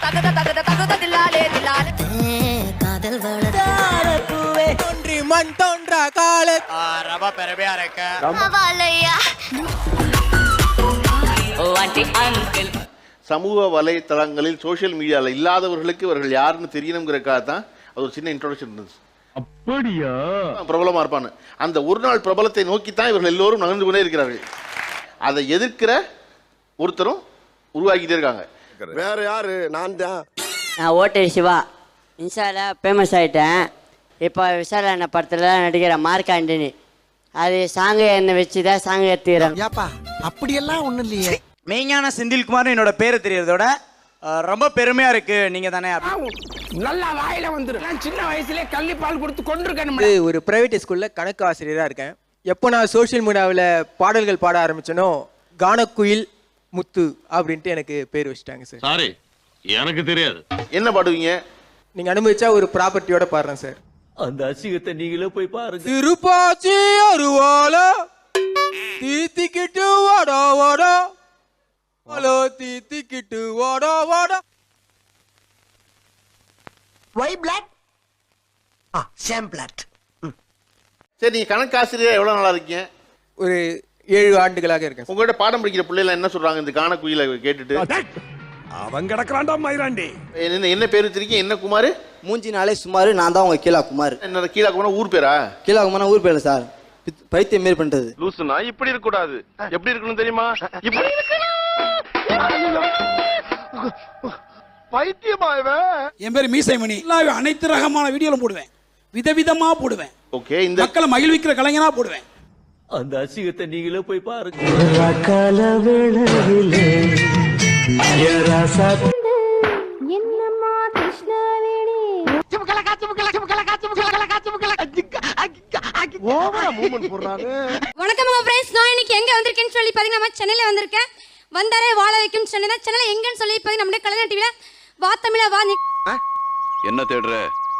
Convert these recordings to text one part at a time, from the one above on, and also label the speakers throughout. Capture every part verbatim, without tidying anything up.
Speaker 1: தகத தகத தகத தில்லாலே தில்லாலே காதல் வளர்த்தூவே தோன்றி மண் தோன்றா கால
Speaker 2: ரொம்ப பெருமையா இருக்கு.
Speaker 1: வாழையா ஓ ஆண்டி அங்கிள்.
Speaker 3: சமூக வலைத்தளங்களில் சோஷியல் மீடியாவில் இல்லாதவர்களுக்கு இவர்கள் யாருன்னு தெரியணுங்கிறக்காக தான் அது ஒரு சின்ன இன்ட்ரோடக்ஷன் இருந்துச்சு.
Speaker 4: அப்படியா?
Speaker 3: பிரபலமா இருப்பான்னு அந்த ஒரு நாள் பிரபலத்தை நோக்கித்தான் இவர்கள் எல்லோரும் நகர்ந்து கொண்டே இருக்கிறார்கள். அதை எதிர்க்கிற ஒருத்தரும் உருவாக்கிட்டே இருக்காங்க.
Speaker 5: வேற யாரு? நான் தான்.
Speaker 6: நான் ஓட்டர் சிவா இன்ஸ்டால ஃபேமஸ் ஆகிட்டேன். இப்போ விசால என்ன படத்தில் நடிக்கிற மார்க் ஆண்டனி அது சாங்கு என்னை வச்சு தான் சாங்கு எடுத்துக்கிறேன்.
Speaker 7: ஏப்பா அப்படியெல்லாம் ஒன்றும் இல்லையே.
Speaker 2: மெய்ஞான செந்தில்குமார் என்னோட பேரை தெரியறதோட ரொம்ப பெருமையா இருக்கு. நீங்க தானே
Speaker 7: நல்லா வாயில வந்துரு. நான் சின்ன வயசுலயே கள்ளி பால் கொடுத்து கொண்டிருக்கேன்.
Speaker 8: ஒரு பிரைவேட் ஸ்கூல்ல கணக்கு ஆசிரியராக இருக்கேன். எப்போ நான் சோஷியல் மீடியாவில் பாடல்கள் பாட ஆரம்பிச்சேனோ கானக்குயில் முத்து அப்படின்ட்டு எனக்கு பேர் வச்சுட்டாங்க சார்.
Speaker 4: சாரி, எனக்கு தெரியாது.
Speaker 3: என்ன பாடுவீங்க?
Speaker 8: நீங்க அனுமதிச்சா ஒரு ப்ராப்பர்ட்டியோட பாடுறேன் சார்.
Speaker 4: அந்த அசிங்கத்தை நீங்களே போய் பாருங்க.
Speaker 8: திருப்பாச்சி அருவால தீத்திக்கிட்டு வாடா வாடா ஹலோ தீத்திக்கிட்டு வாடா வாடா.
Speaker 7: ஒய் பிளாக் ஆ சேம் பிளாக்.
Speaker 3: சரி, நீங்க கணக்காசிரியர் எவ்வளவு நாளா இருக்கீங்க?
Speaker 8: ஒரு ஏழு ஆண்டுகளாக இருக்கேன்.
Speaker 3: உங்கள்கிட்ட பாடம் படிக்கிற பிள்ளைகள் என்ன சொல்றாங்க இந்த கான குயில கேட்டுட்டு?
Speaker 5: அவன் கிடக்குறான்டா மயிராண்டி.
Speaker 3: என்ன என்ன பேர் வச்சிருக்கீங்க? என்ன குமார்?
Speaker 9: மூஞ்சி நாளே சுமார். நான் தான் உங்க கீழா குமார்.
Speaker 3: என்ன கீழா குமார் ஊர் பேரா?
Speaker 9: கீழா குமார் ஊர் பேர் சார். பைத்தியம் மாரி பண்றது.
Speaker 5: லூசுனா இப்படி இருக்க கூடாது. எப்படி இருக்கணும் தெரியுமா? இப்படி பைத்தியமா இவன்.
Speaker 7: என் பேர் மீசைமணி. அனைத்து ரகமான வீடியோல போடுவேன். விதவிதமா போடுவேன்.
Speaker 3: ஓகே, இந்த
Speaker 7: மக்களை மகிழ்விக்கிற கலைஞனா போடுவேன்.
Speaker 4: அந்த அசிங்கத்தை நீங்களே போய் பாருங்க.
Speaker 10: வணக்கம் ஃப்ரெண்ட்ஸ், நான் இன்னைக்கு எங்க வந்திருக்கேன்னு சொல்லி பாத்தீங்கன்னா நம்ம சென்னையில வந்திருக்கேன். வந்தாரே வாழ வைக்கும் சென்னை தான். சென்னையில எங்கன்னு சொல்லி பாத்தீங்கன்னா நம்முடைய கலைஞர் டிவில வா தமிழ வா.
Speaker 4: என்ன தேடுற?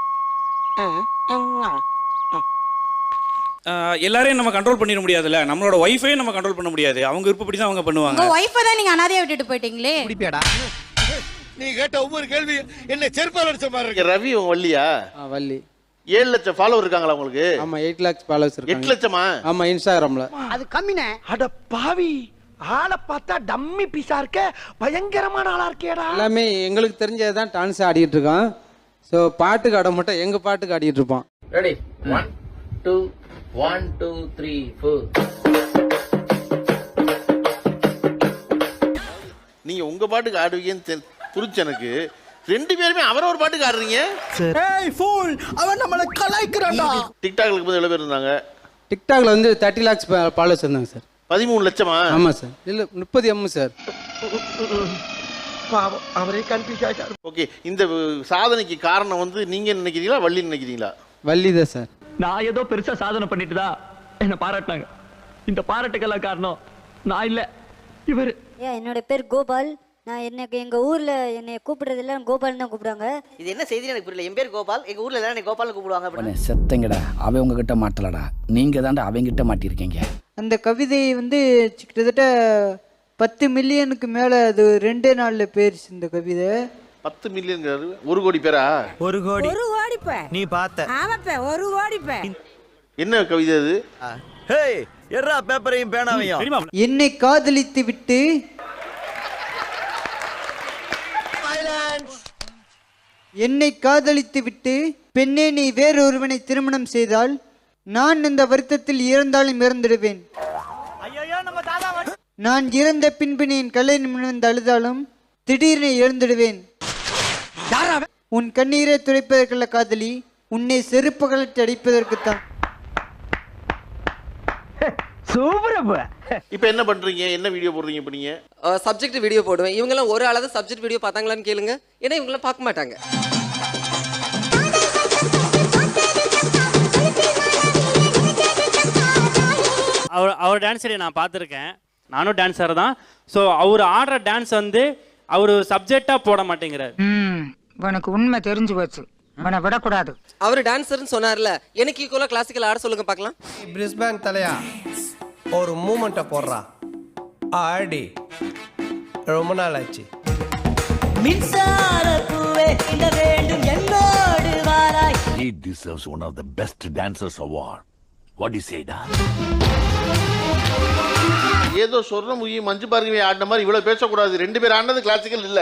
Speaker 11: எல்லாரையும் நம்ம கண்ட்ரோல் பண்ணிட முடியாதுல்ல. நம்மளோட ஒய்ஃபை நம்ம கண்ட்ரோல் பண்ண முடியாது. அவங்க விருப்பப்படி தான் அவங்க பண்ணுவாங்க.
Speaker 10: உங்க ஒய்ஃபை தான் நீங்க அனாதையா விட்டுட்டு போயிட்டீங்களே.
Speaker 7: குடிப்பேடா.
Speaker 5: நீ கேட்ட ஒவ்வொரு கேள்வி என்ன செருப்பால் அடிச்ச மாதிரி இருக்கு.
Speaker 3: ரவி உங்க வள்ளியா?
Speaker 8: வள்ளி.
Speaker 3: ஏழு லட்சம் ஃபாலோவர் இருக்காங்களா உங்களுக்கு?
Speaker 8: ஆமா, எயிட் லேக்ஸ் ஃபாலோவர்ஸ் இருக்காங்க.
Speaker 3: எட்டு லட்சமா?
Speaker 8: ஆமா, இன்ஸ்டாகிராம்ல.
Speaker 7: அது கம்மினே. அட பாவி, ஆளை பார்த்தா டம்மி பீஸா இருக்க. பயங்கரமான ஆளா இருக்கேடா.
Speaker 8: எல்லாமே எங்களுக்கு தெரிஞ்சதான் டான்ஸ் ஆடிட்டு இருக்கோம். ஸோ பாட்டுக்கு ஆட மட்டும் எங்க பாட்டுக்கு ஆடிட்டு இருப்போம்.
Speaker 2: Ready one two one two three four.
Speaker 3: நீங்க உங்க பாட்டுக்கு ஆடுவீங்கன்னு புரிச்சு எனக்கு. ரெண்டு பேருமே அவரவர் பாட்டுக்கு ஆடுறீங்க.
Speaker 7: ஏய் ஃபூல், அவன் நம்மள கலாய்க்கறான்டா.
Speaker 3: டிக்டாக்ல போய் எவ்வளவு பேர் இருந்தாங்க?
Speaker 8: டிக்டாக்ல வந்து தேர்ட்டி லேக்ஸ் ஃபாலோவர்ஸ் இருந்தாங்க சார்.
Speaker 3: பதிமூணு லட்சமா?
Speaker 8: ஆமா சார். இல்ல முப்பது எம் சார்.
Speaker 7: பாவம், அவரே கன்ஃபியூஸ் ஆயிட்டாரு.
Speaker 3: ஓகே, இந்த சாதனைக்கு காரணம் வந்து நீங்க நினைக்கிறீங்களா வள்ளி நினைக்கிறீங்களா?
Speaker 8: வள்ளி தான் சார்.
Speaker 4: நான் ஏதோ பெருசா சாதனை பண்ணிட்டு தான் என்ன பாராட்டினாங்க. இந்த பாராட்டுக்கெல்லாம் காரணம் நான் இல்ல, இவரு.
Speaker 10: என்னோட பேர் கோபால். நான் எனக்கு எங்க ஊர்ல என்னை கூப்பிடுறது எல்லாம் கோபால் தான் கூப்பிடுறாங்க.
Speaker 6: இது என்ன செய்தி எனக்கு புரியல. என் பேர் கோபால், எங்க ஊர்ல எல்லாம் என்னை கோபால் கூப்பிடுவாங்க.
Speaker 9: செத்தங்கடா, அவன் உங்ககிட்ட மாட்டலடா, நீங்க தாண்டா அவங்கிட்ட மாட்டிருக்கீங்க.
Speaker 8: அந்த கவிதை வந்து கிட்டத்தட்ட பத்து மில்லியனுக்கு மேல அது ரெண்டே நாள்ல போயிருச்சு இந்த கவிதை.
Speaker 3: பத்து மில்லியன் ஒரு கோடி பேரா?
Speaker 7: ஒரு கோடி.
Speaker 10: ஒரு கோடிப்ப
Speaker 7: நீ பார்த்த.
Speaker 10: ஆமாப்ப ஒரு கோடிப்ப.
Speaker 3: என்ன கவிதை அது?
Speaker 2: ஹேய், எர்ரா பேப்பரையும் பேனாவையும்.
Speaker 8: என்னை காதலித்து விட்டு என்னை காதலித்து விட்டு பெண்ணே நீ வேறொருவனை திருமணம் செய்தால் நான் இந்த வருத்தத்தில் இறந்தாலும் இறந்துடுவேன். நான் இறந்த பின்பு நீ என் கலை நிமிர்ந்து அழுதாலும் திடீரென இறந்துடுவேன். உன் கண்ணீரை துடைப்பதற்குள்ள காதலி, உன்னை செருப்பு கலட்டி அடிப்பதற்குத்தான்.
Speaker 3: இப்ப என்ன பண்றீங்க? என்ன வீடியோ போடுறீங்க இப்ப நீங்க?
Speaker 6: சப்ஜெக்ட் வீடியோ போடுவேன். இவங்க எல்லாம் ஒரு ஆளாவது சப்ஜெக்ட் வீடியோ பார்த்தாங்களான்னு கேளுங்க. ஏன்னா இவங்க எல்லாம் பார்க்க மாட்டாங்க.
Speaker 11: அவர் அவர் டான்ஸரை நான் பார்த்துருக்கேன். நானும் டான்ஸர் தான். ஸோ அவர் ஆடுற டான்ஸ் வந்து அவர் சப்ஜெக்டாக போட மாட்டேங்கிறார்.
Speaker 10: உனக்கு உண்மை தெரிஞ்சு போச்சு, உன்னை விடக்கூடாது.
Speaker 6: அவர் டான்ஸர்னு சொன்னார்ல, எனக்கு ஈக்குவலாக கிளாசிக்கல் ஆட சொல்லுங்க பார்க்கலாம்.
Speaker 7: பிரிஸ்பேன் தலையா ஒரு மூமெண்ட்டை போடுறா. ஆடி ரொம்ப நாள் ஆச்சு.
Speaker 1: மின்சார இந்த வேண்டும் என்னோடு வாராய்.
Speaker 5: He deserves one of the best dancers award. What do you say, da?
Speaker 3: ஏதோ சொர்ணமுகி மஞ்சு பார்வை ஆடின மாதிரி இவ்வளவு பேசக்கூடாது. ரெண்டு பேர் ஆடினது கிளாசிக்கல் இல்ல.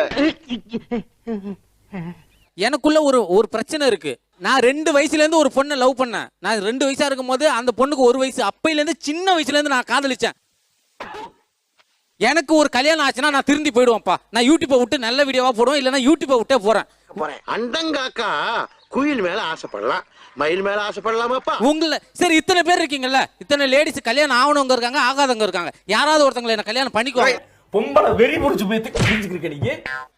Speaker 12: எனக்குள்ள ஒரு ஒரு பிரச்சனை இருக்கு. நான் ரெண்டு வயசுல இருந்து ஒரு பொண்ணை லவ் பண்ணேன். நான் ரெண்டு வயசா இருக்கும் போது அந்த பொண்ணுக்கு ஒரு வயசு. அப்பையில இருந்து சின்ன வயசுல இருந்து நான் காதலிச்சேன். எனக்கு ஒரு கல்யாணம் ஆச்சுன்னா நான் திருந்தி போயிடுவேன்ப்பா. நான் யூடியூப்பை விட்டு நல்ல வீடியோவா போடுவேன், இல்லைன்னா யூடியூப்பை விட்டே போறேன்.
Speaker 7: அண்டங்காக்கா குயில் மேல ஆசைப்படலாம், மயில் மேல ஆசைப்படலாமாப்பா?
Speaker 12: உங்களை சரி இத்தனை பேர் இருக்கீங்கல்ல, இத்தனை லேடிஸ் கல்யாணம் ஆகணுங்க இருக்காங்க, ஆகாதவங்க இருக்காங்க. யாராவது ஒருத்தங்களை என்ன கல்யாணம் பண்ணிக்குவாங்க.
Speaker 7: பொம்பளை வெறி முடிச்சு போய் தெரிஞ்சுக்கிட்டு நீங்க.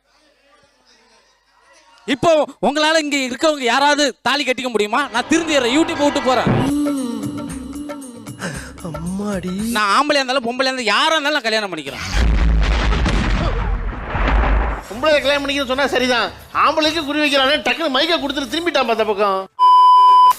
Speaker 12: இப்போ உங்களால இங்க இருக்கவங்க யாராவது தாலி கட்டிக்க முடியுமா? நான் திருந்திடுறேன், யூடியூப் விட்டு போறேன்.
Speaker 7: அம்மாடி,
Speaker 12: நான் ஆம்பளையா இருந்தாலும் பொம்பளையா இருந்தாலும் யாரா இருந்தாலும் நான் கல்யாணம் பண்ணிக்கிறேன்.
Speaker 3: பொம்பளை கல்யாணம் பண்ணிக்கணும்னு சொன்னா சரிதான். ஆம்பளைக்கு குறி வைக்கிறானே டக்குனு மைக்க கொடுத்துட்டு திரும்பிட்டான் பார்த்த பக்கம்.